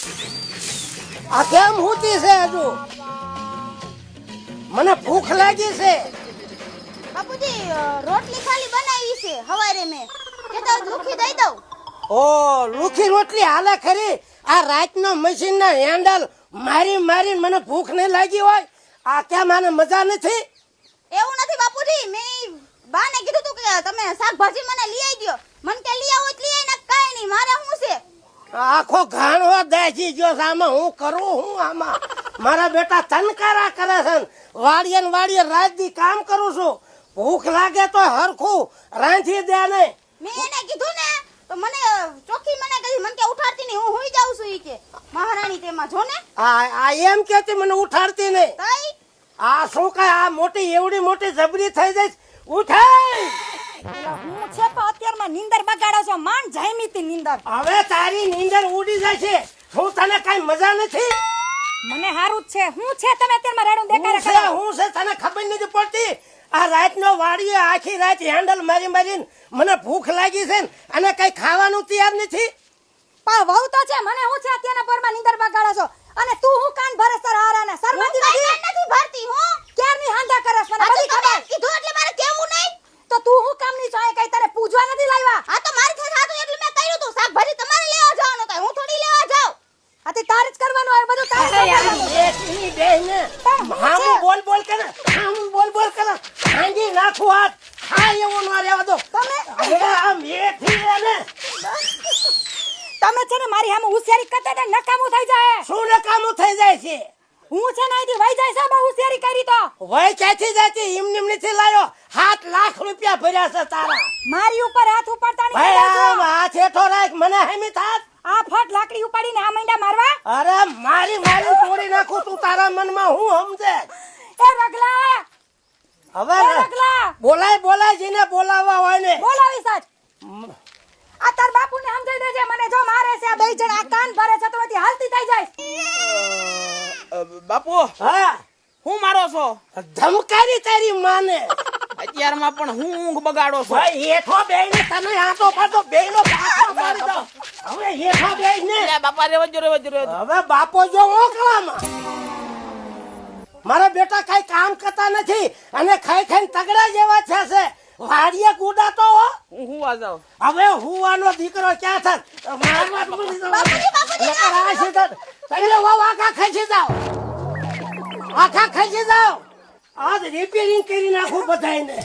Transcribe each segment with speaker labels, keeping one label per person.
Speaker 1: આ કેમ હોતી છે હજુ? મને ભૂખ લાગી છે.
Speaker 2: બાપુજી રોટલી ખાલી બનાવી છે હવારે મેં કેતા લુખી દઈ દઉં.
Speaker 1: ઓ લુખી રોટલી હાલે ખરી? આ રાતનો મશીન ના હેન્ડલ મારી મારી મને ભૂખ નહીં લાગી હોય? આ કેમ આને મજા નથી?
Speaker 2: એવું નથી બાપુજી, મેં બાને કીધું તું કે તમે શાકભાજી મને લઈ આવી દો. મન કે લઈ આવો એટલે લઈ આવીને કાઈ નહીં, મારે શું છે?
Speaker 1: આખો ઘાણો દાજી ગયો છે. આમાં હું કરું હું? આમાં મારા બેટા તનકારા કરે છે. વાડીએ ને વાડીએ રાત દી કામ કરું છું. ભૂખ લાગે તો હરખું રાંધી દે નહીં.
Speaker 2: મેં એને કીધું ને તો મને ચોખ્ખી મને કહી, મન કે ઉઠાડતી નહીં, હું હુઈ જાઉં છું ઈ કે. મહારાણી તેમાં જો ને
Speaker 1: આ એમ કેતી મને ઉઠાડતી નહીં.
Speaker 2: તઈ
Speaker 1: આ શું કાય આ મોટી એવડી મોટી જબરી થઈ જાય? ઉઠાય
Speaker 3: હું છે તો અત્યારમાં નીંદર બગાડો છો. માંડ જાયમી તી નીંદર.
Speaker 1: હવે તારી નીંદર ઉડી જાય છે. શું તને કઈ મજા નથી?
Speaker 3: મને હારું જ છે. હું છે તમે અત્યારમાં રેડું દેખાડે
Speaker 1: હું છે હું છે તને ખબર નથી પડતી? આ રાતનો વાડીએ આખી રાત હેન્ડલ મારી મારીને મને ભૂખ લાગી છે ને અને કઈ ખાવાનું તૈયાર નથી.
Speaker 3: પણ વહુ તો છે, મને હું છે અત્યારના પોરમાં નીંદર બગાડો છો. અને તું હું કાન ભરે સર હારાને શરમાતી નથી?
Speaker 2: નથી ભરતી હું.
Speaker 3: ક્યારની હાંધા કરસ મને બધી ખબર.
Speaker 2: કીધું એટલે મારે કેવું નહીં.
Speaker 3: તો તું હું કામ ની ચાહે કઈ તારે પૂજવા નથી લાવ્યા?
Speaker 2: આ તો મારી સાથે હતું એટલે મેં કર્યું તું. શાકભાજી તમારે લેવા જવાનું થાય, હું થોડી લેવા જાઉં.
Speaker 3: આથી તારે જ કરવાનું આવે બધું તારે જ કરવાનું.
Speaker 1: એકની બેને હામું બોલ બોલ કરે, હામું બોલ બોલ કરે. ભાંગી નાખું હાથ. હા એવો ન રહેવા દો
Speaker 3: તમે
Speaker 1: હવે. આ મેથી ને
Speaker 3: તમે છે ને મારી સામે હોશિયારી કરતા હતા, નકામું થઈ જાય.
Speaker 1: શું નકામું થઈ જાય છે?
Speaker 3: હું છે ને અહીંથી વહી જાય છે બહુ હોશિયારી કરી તો.
Speaker 1: વય ક્યાંથી જતી? એમ નથી લાયો. 7 લાખ રૂપિયા ભર્યા છે તારા.
Speaker 3: મારી ઉપર હાથ ઉપાડતા નહીં.
Speaker 1: ભાઈ
Speaker 3: કહેજો.
Speaker 1: આમ હાથ હેઠો રાખ, મને હેમી થાત.
Speaker 3: આ ફટ લાકડી ઉપાડીને આ મૈંડા મારવા.
Speaker 1: અરે મારી મારી તોડી નાખું. તું તારા મનમાં હું સમજે?
Speaker 3: એ રગલા
Speaker 1: હવે
Speaker 3: એ રગલા
Speaker 1: બોલાય બોલાય જેને બોલાવવા હોય ને.
Speaker 3: બોલાવી સાચ. આ તાર બાપુને સમજાઈ દેજે, મને જો મારે છે આ બે જણ આ કાન ભરે છે તો એથી હાલતી થઈ જાય.
Speaker 4: બાપુ
Speaker 1: હા
Speaker 4: હું મારો છો
Speaker 1: ધમકારી તારી માને.
Speaker 4: અત્યારમાં પણ હું ઊંઘ બગાડો છો.
Speaker 1: ભાઈ હેઠો બેહીને તને આંટો પાડો બેયનો પાછો મારી દો. હવે હેઠો બેહીને
Speaker 4: લે બાપા રેવા જો
Speaker 1: હવે બાપો જો ઓકળામાં. મારા બેટા કઈ કામ કરતા નથી અને ખાઈ ખાઈને તગડા જેવા છે. વાડીએ કુડાતો હો.
Speaker 4: હું આ જાઉં.
Speaker 1: હવે હુવાનો દીકરો ક્યાં થાત? મારવા તો નથી જવાનું. નકર આ સીધા તમે આખા ખસી જાઓ. આખા ખસી જાઓ. આજ રિપેરિંગ કરી નાખું બધાયને.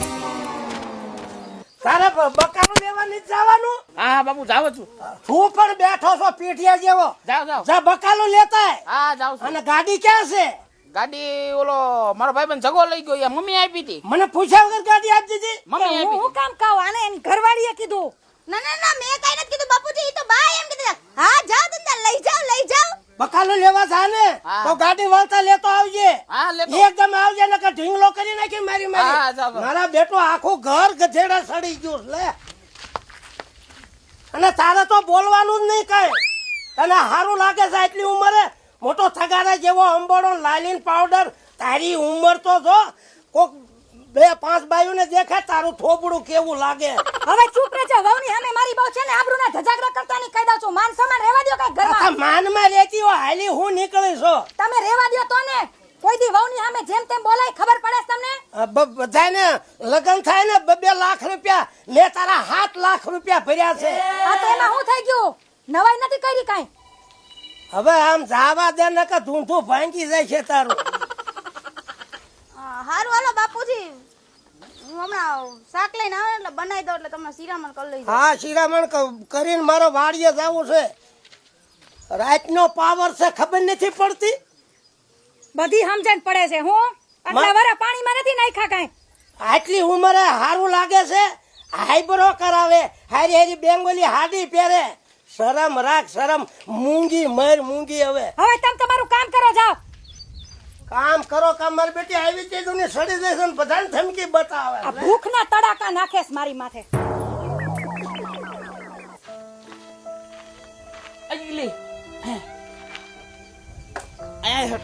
Speaker 1: તારે બકાલું લેવા નથી જવાનું?
Speaker 4: હા બાપુ જાવ છું.
Speaker 1: તું પણ બેઠો છો પીઠિયા જેવો.
Speaker 4: જાવ
Speaker 1: જા બકાલું લેતા આય.
Speaker 4: હા જાવ છું.
Speaker 1: અને ગાડી ક્યાં છે?
Speaker 4: ગાડી ઓલો મારો ભાઈબંધ જગો લઈ ગયો. યા મમ્મી આપી હતી.
Speaker 1: મને પૂછ્યા વગર ગાડી આપી દીધી?
Speaker 4: મમ્મી
Speaker 3: હું
Speaker 4: આપી
Speaker 3: હું કામ કહું આને એની ઘરવાળીએ કીધું.
Speaker 2: ના ના ના, મેં કઈ નથી કીધું બાપુજી, ઈ તો બા એમ કીધું. હા જાઓ ધંધા લઈ જાઓ લઈ જાઓ.
Speaker 1: બકાલું લેવા જા ને
Speaker 4: હા.
Speaker 1: તો ગાડી વળતા લેતો આવજે.
Speaker 4: હા લેતો.
Speaker 1: એકદમ આવજે નકર ઢીંગલો કરી નાખી મારી
Speaker 4: હા,
Speaker 1: મારી.
Speaker 4: જાવ.
Speaker 1: મારા બેટો આખું ઘર ગધેડા સડી ગયું છે, લે. અને તારે તો બોલવાનું જ નહીં કઈ. તને સારું લાગે છે આટલી ઉંમરે મોટો થગારા જેવો અંબોડો લાલીન પાવડર. તારી ઉંમર તો જો કોક 2-5 બાયુને દેખાય તારું થોબડું કેવું લાગે.
Speaker 3: હવે ચૂપ રહેજો. વહુની સામે મારી બહુ છે ને આબરૂના ધજાગરા કરતા નહીં કહી દઉં છું. માન સન્માન રહેવા દ્યો કાંઈ
Speaker 1: આ
Speaker 3: ઘરમાં.
Speaker 1: માનમાં રહેતી હોય હાલી હું નીકળી છો.
Speaker 3: તમે રહેવા દ્યો તો ને. કોઈ દી વહુની સામે જેમ તેમ બોલાય ખબર પડે છે તમને?
Speaker 1: બધાને લગ્ન થાય ને 2 લાખ રૂપિયા મેં તારા 7 લાખ રૂપિયા ભર્યા છે.
Speaker 3: આ તો એમાં શું થઈ ગયું? નવાઈ નથી કરી કાંઈ.
Speaker 1: હવે આમ જાવા દે ને કે ધૂંધું ભાંગી જાય છે તારું.
Speaker 2: હારું હાલો બાપુજી, હું હમણાં શાક લઈને આવે એટલે બનાવી દઉં એટલે તમને શિરામણ કરી લઈ જાઉં.
Speaker 1: હા શિરામણ કરીને મારો વાડીએ જવું છે. રાતનો પાવર છે ખબર નથી પડતી.
Speaker 3: બધી સમજણ પડે છે. હું આટલા વરા પાણીમાં નથી નાખ્યા કાંઈ.
Speaker 1: આટલી ઉંમરે સારું લાગે છે. હાઈબ્રો કરાવે, હારી હારી બેંગોલી હાડી પહેરે. શરમ રાખ શરમ. મૂંગી મર મૂંગી. હવે
Speaker 3: હવે તમે તમારું કામ કરો જાઓ.
Speaker 1: કામ કરો કામ. મારી બેટી આવી ચીજો ને સડી જશે ને બધાને ધમકી બતાવે.
Speaker 3: આ ભૂખના તડાકા નાખેસ મારી માથે.
Speaker 4: અગલી આયા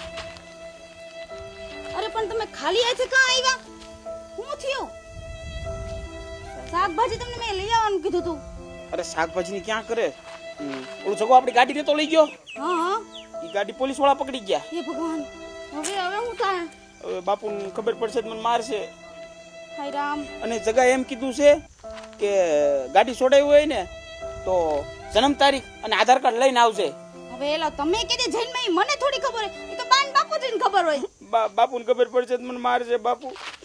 Speaker 2: અરે પણ તમે ખાલી આથી ક્યાં આવ્યા? શું થયું? શાકભાજી તમને મેં લઈ આવવાનું કીધું તું.
Speaker 4: અરે શાકભાજી ની ક્યાં કરે? ઓલું જગો આપણી ગાડી ને તો લઈ ગયો
Speaker 2: હા હા
Speaker 4: એ ગાડી પોલીસ વાળા પકડી ગયા.
Speaker 2: એ ભગવાન હવે હું થાય
Speaker 4: હવે બાપુને ખબર પડશે તો મને મારશે.
Speaker 2: હાય રામ
Speaker 4: અને જગા એમ કીધું છે કે ગાડી છોડાવી હોય ને તો જન્મ તારીખ અને આધાર કાર્ડ લઈને આવજે.
Speaker 2: હવે એલા તમે કીધી જન્મ મને થોડી ખબર હોય એ તો બાન બાપુજીને ખબર હોય
Speaker 4: બાપુને ખબર પડશે તો મને મારશે. બાપુ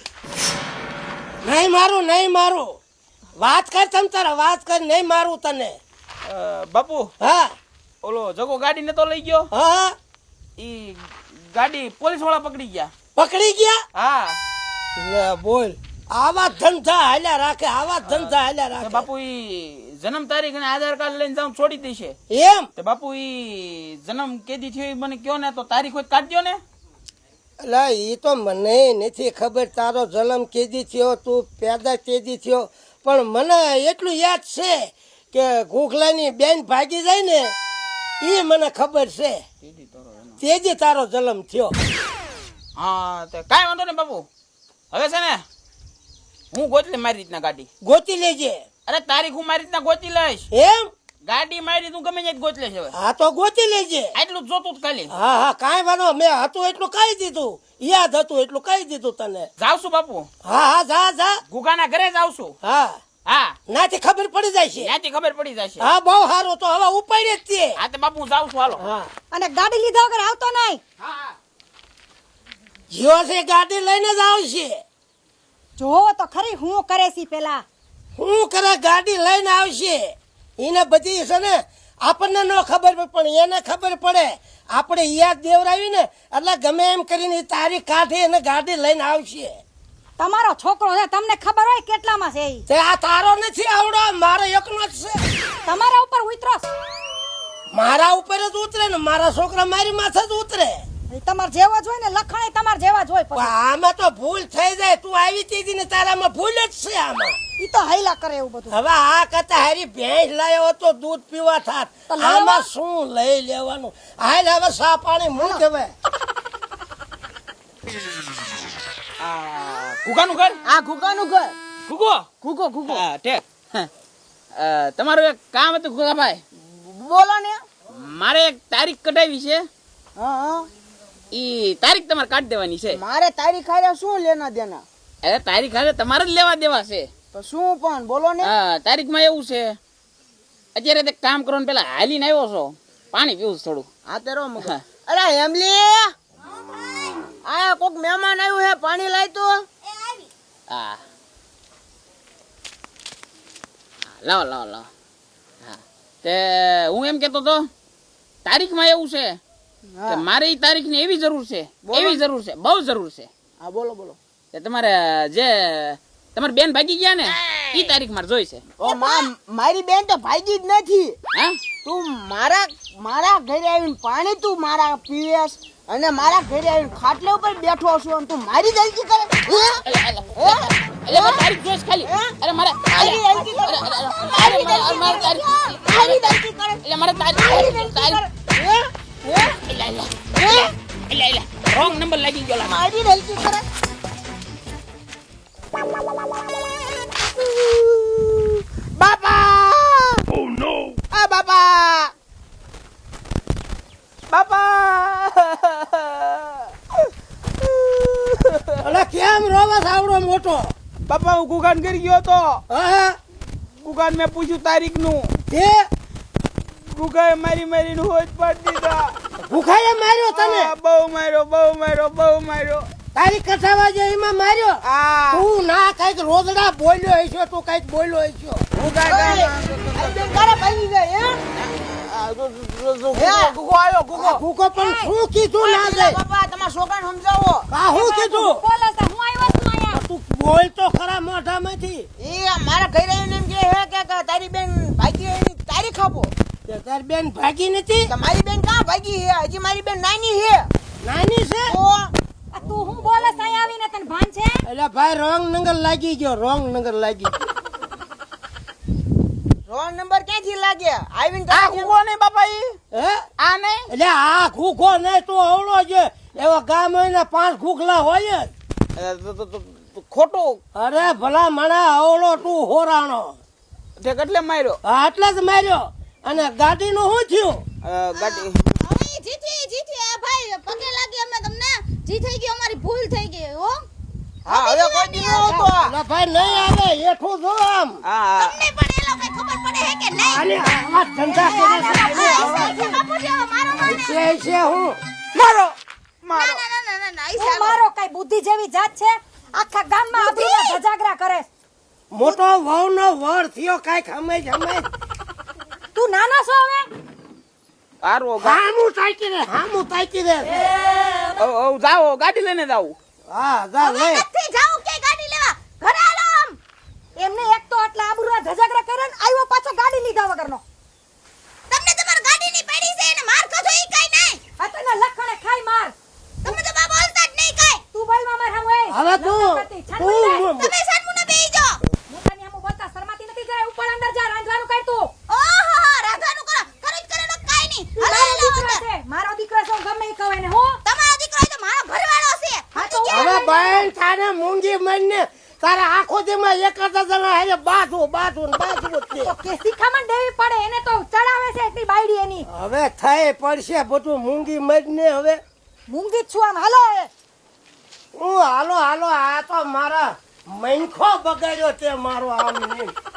Speaker 1: નહીં મારું વાત કર તમ તારા વાત કર, નહીં મારું તને.
Speaker 4: બાપુ
Speaker 1: હા
Speaker 4: ઓલો જગો ગાડી ને તો લઈ ગયો
Speaker 1: હા
Speaker 4: ઈ ગાડી પોલીસ વાળા પકડી ગયા.
Speaker 1: પકડી ગયા.
Speaker 4: હા
Speaker 1: લે બોલ, આવા ધંધા હાલ્યા રાખે, આવા ધંધા હાલ્યા
Speaker 4: તો
Speaker 1: રાખે.
Speaker 4: બાપુ ઈ જન્મ તારીખ અને આધાર કાર્ડ લઈને જાઉં છોડી દેશે.
Speaker 1: એમ
Speaker 4: તો બાપુ ઈ જન્મ કેદી થયો ઈ મને કયો ને તો તારીખ હોય કાઢજો ને.
Speaker 1: લા ઈ તો મને નથી ખબર તારો જન્મ કેદી થયો, તું પેદા કેદી થયો, પણ મને એટલું યાદ છે કે ગોખલાની બેન ભાગી જાય ને ઈ મને ખબર છે, તેજી તારો જન્મ થયો.
Speaker 4: હા તો કાંઈ વાંધો નહીં બાપુ. હવે છે ને હું ગોતલી મારી રીતના ગાડી.
Speaker 1: ગોતી લેજે.
Speaker 4: અરે તારીખ હું મારી રીતના ગોતી લઈશ.
Speaker 1: એમ
Speaker 4: ગાડી મારી તું ગમે ત્યાં ગોત લેશ. હવે
Speaker 1: હા તો ગોતી લેજે.
Speaker 4: આટલું જ જોતું જ ખાલી.
Speaker 1: હા કાંઈ વાંધો, મેં હતું એટલું કહી દીધું, યાદ હતું એટલું કહી દીધું તને.
Speaker 4: જાવ છું બાપુ.
Speaker 1: હા જા.
Speaker 4: ગુગાના ઘરે જાવ છું.
Speaker 1: હા
Speaker 4: હા
Speaker 1: નાથી ખબર પડી જાય છે.
Speaker 4: ત્યાંથી ખબર પડી જશે.
Speaker 1: હા બહુ સારું, તો હવે ઉપાડી જ તે.
Speaker 4: હા તો બાપુ હું જાઉં છું હાલો.
Speaker 1: હા
Speaker 3: અને ગાડી લીધા વગર આવતો નહીં.
Speaker 1: જીઓ છે ગાડી લઈને જ આવશે.
Speaker 3: જોવો તો ખરી હું કરે છે પેલા.
Speaker 1: શું કરે, ગાડી લઈને આવશે. એને બધી છે ને આપણને ન ખબર પડે પણ એને ખબર પડે. આપણે યાદ દેવરાવી ને એટલે ગમે એમ કરીને ઈ તારીખ કાઢી અને ગાડી લઈને આવશે.
Speaker 3: તમારો છોકરો છે, તમને ખબર હોય કેટલામાં છે ઈ.
Speaker 1: તે આ તારો નથી આવડો, મારો એકનો જ છે.
Speaker 3: તમારા ઉપર ઉતરો.
Speaker 1: મારા ઉપર જ ઉતરે ને મારા છોકરા મારી માથે જ ઉતરે.
Speaker 3: તમાર જેવો જ હોય ને, લખણ તમાર જેવા જ હોય.
Speaker 1: પણ
Speaker 3: પછી
Speaker 1: આમાં તો ભૂલ થઈ જાય. તું આવી હતી ને તારામાં ભૂલ જ છે આમાં.
Speaker 3: ઈ તો હૈલા કરે એવું બધું.
Speaker 1: હવે આ કરતા હારી ભેંસ લાવ્યો તો દૂધ પીવા થાત.
Speaker 3: તો લઈ
Speaker 1: આમાં
Speaker 3: આવો.
Speaker 1: શું લઈ લેવાનું? હાલ હવે સા પાણી મૂક હવે.
Speaker 4: ગુગાનું ઘર.
Speaker 5: આ ઘુકાનું ઘર
Speaker 4: ગુગો
Speaker 5: ઘુકો
Speaker 4: હા ઠેક. તમારું એક કામ હતું ગુગાભાઈ.
Speaker 5: બોલો ને.
Speaker 4: મારે એક તારીખ કઢાવી છે.
Speaker 5: હા
Speaker 4: ઈ તારીખ તમારે કાઢી દેવાની છે.
Speaker 5: મારે તારીખ હારે શું લેના દેના?
Speaker 4: અરે તારીખ હારે તમારે જ લેવા દેવા છે.
Speaker 5: તો શું પણ બોલો ને.
Speaker 4: હા તારીખમાં એવું છે અત્યારે તે કામ કરો ને પેલા હાલીને આવ્યો છો, પાણી પીવું છે થોડું.
Speaker 5: આ તેરો મગજ.
Speaker 4: હા.
Speaker 5: અરે હેમલી, આ કોક મહેમાન આવ્યું હે, પાણી લાય તો.
Speaker 4: હા લાવો. હા તે હું એમ કેતો તો તારીખમાં એવું છે કે
Speaker 5: હા
Speaker 4: મારે ઈ તારીખની એવી જરૂર છે,
Speaker 5: બોલો.
Speaker 4: એવી જરૂર છે, બહુ જરૂર છે
Speaker 5: હા બોલો.
Speaker 4: કે તમારે જે તમારી બેન ભાગી ગયા ને ઈ તારીખ મારે જોઈ છે.
Speaker 5: ઓ મારી બેન તો ભાગી જ નથી.
Speaker 4: હા
Speaker 5: તું મારા ઘરે આવીને પાણી તું મારા પીવેસ અને મારા ઘરે આવીને ખાટલે ઉપર બેઠો છું અને તું મારી જલ્દી કરે.
Speaker 4: એટલે મારે તારીખ જોઈશ ખાલી. અરે મારે
Speaker 5: મારી જલ્દી કરે.
Speaker 4: મારે તારીખ
Speaker 5: મારી જલ્દી કરે.
Speaker 4: એટલે મારે તારીખ રોંગ નંબર લાગી ગયો લા.
Speaker 5: મારી જલ્દી કરે. બાપા! Oh no! આ બાપા!
Speaker 1: અલે કેમ રોવા સાવડો મોટો?
Speaker 4: બાપા હું ગુગાન કરી ગયો તો.
Speaker 1: હા
Speaker 4: ગુગાન મેં પૂછ્યું તારીખ નું.
Speaker 1: તે
Speaker 4: ગુગાએ મારીને હોજ પાડી દીધા.
Speaker 1: ભૂખાએ માર્યો તને?
Speaker 4: હા, બહુ માર્યો.
Speaker 1: તારી કથાવા જે એમાં માર્યો?
Speaker 4: આ
Speaker 1: તું ના કઈક રોદડા બોલ્યો હશો, તું કઈક બોલ્યો હશો.
Speaker 4: ગુગા
Speaker 5: આ બેન તારે ભાગી જાય, હે?
Speaker 4: ગુગો આવ્યો ગુગો.
Speaker 1: ભૂકો પણ શું કીધું ના
Speaker 5: પેલા
Speaker 1: જાય?
Speaker 5: બાપા તમારા છોકરાને સમજાવો.
Speaker 1: આ શું કીધું?
Speaker 3: બોલે છે હું આવ્યો છું અહીંયા.
Speaker 1: તું બોલ તો ખરા મોઢામાંથી.
Speaker 5: એ મારા ઘરે આવીને એમ કહે હે કે તારી બેન ભાગી એની તારીખ આપો.
Speaker 1: તે તારી બેન ભાગી નથી?
Speaker 5: તો મારી બેન ક્યાં ભાગી હે? હજી મારી બેન નાની હે.
Speaker 1: નાની છે?
Speaker 5: તો
Speaker 3: આ તું હું બોલે છે અહીંયા આવીને, તને ભાન છે?
Speaker 1: એટલે ભાઈ રોંગ નંબર લાગી ગયો, રોંગ નંબર લાગી ગયો.
Speaker 5: રોંગ નંબર ક્યાંથી લાગે? આવીને
Speaker 4: આ
Speaker 5: તારી
Speaker 4: ગુગો નહીં બાપા ઈ.
Speaker 1: હે
Speaker 4: આ નહીં.
Speaker 1: એટલે આ ઘૂઘો નહીં, તું અવળો છે. એવા ગામ હોય ને 5 ઘૂઘલા હોય જ.
Speaker 4: ખોટું.
Speaker 1: અરે ભલા મણા અવળો તું હોરાણો.
Speaker 4: તે કેટલે માર્યો?
Speaker 1: હા એટલે જ માર્યો. અને ગાડીનું શું થયું?
Speaker 5: ગાડી
Speaker 2: હવે ઈ જીતી આ ભાઈ પગે લાગી અમે તમને જી થઈ ગઈ અમારી ભૂલ થઈ ગઈ હો
Speaker 5: હા હવે કોઈ દી ન આવતો આ.
Speaker 1: ઓલા ભાઈ નહીં આવે હેઠું જો આમ.
Speaker 5: હા
Speaker 2: તમને પણ એ લોકો ખબર પડે હે કે નહીં
Speaker 1: અને આ ધંધા કરે છે.
Speaker 2: બાપુજી હવે મારો માને
Speaker 1: છે હું
Speaker 5: મારો
Speaker 2: ના ના ના ના ના ના ઈ
Speaker 3: તું મારો કઈ બુદ્ધિ જેવી જાત છે આખા ગામમાં આબરૂના ધજાગરા કરે છે.
Speaker 1: મોટો વહુનો વર થયો કાંઈક હમે
Speaker 3: તું નાનો છો હવે
Speaker 5: હારો
Speaker 1: હામું તાકી દે
Speaker 5: જાઓ ગાડી લઈને જાવ.
Speaker 1: હા જા લે
Speaker 2: નથી જાઉં કે ગાડી લેવા ઘરે આલો આમ
Speaker 3: એમને એક તો આટલા આબરૂના ધજાગરા કરે ને આવ્યો પાછો ગાડી લીધા વગરનો.
Speaker 2: તમને તમાર ગાડીની પડી છે અને માર ખાધો ઈ કાઈ નહીં
Speaker 3: આ તો એના લખણે ખાઈ માર.
Speaker 2: તમે તો બા બોલતા જ નહીં કાઈ
Speaker 3: તું બોલમાં માર સામે એ.
Speaker 1: હવે તું
Speaker 2: તમે સાનમુને બેહી જાઓ
Speaker 3: મોટાની સામે બોલતા શરમાતી નથી જરાય ઉપર અંદર જા રાંધવાનું કર તું.
Speaker 2: ઓહો રાધાનું કરો તો કાઈ નહીં
Speaker 3: તું
Speaker 2: હલો
Speaker 3: મારો
Speaker 2: હલો
Speaker 3: દીકરો છે મારો દીકરો છે હું ગમે ઈ કહું એને હું.
Speaker 2: તમારો દીકરો તો મારો ઘરવાળો છે
Speaker 3: હા તો
Speaker 1: હવે બેન તારે મૂંગી મરીને તારા આખો દીમાં એક જ જણા હારે બાજુ જ
Speaker 3: તો કે શિખામણ દેવી પડે એને તો ચડાવે છે એટલી બાયડી એની.
Speaker 1: હવે થઈ પડશે બધું મૂંગી મરીને હવે
Speaker 3: મૂંગી જ છું આમ હાલો એ.
Speaker 1: હું હાલો આ તો મારા મૈંખો બગાડ્યો તે મારો આમ નહીં.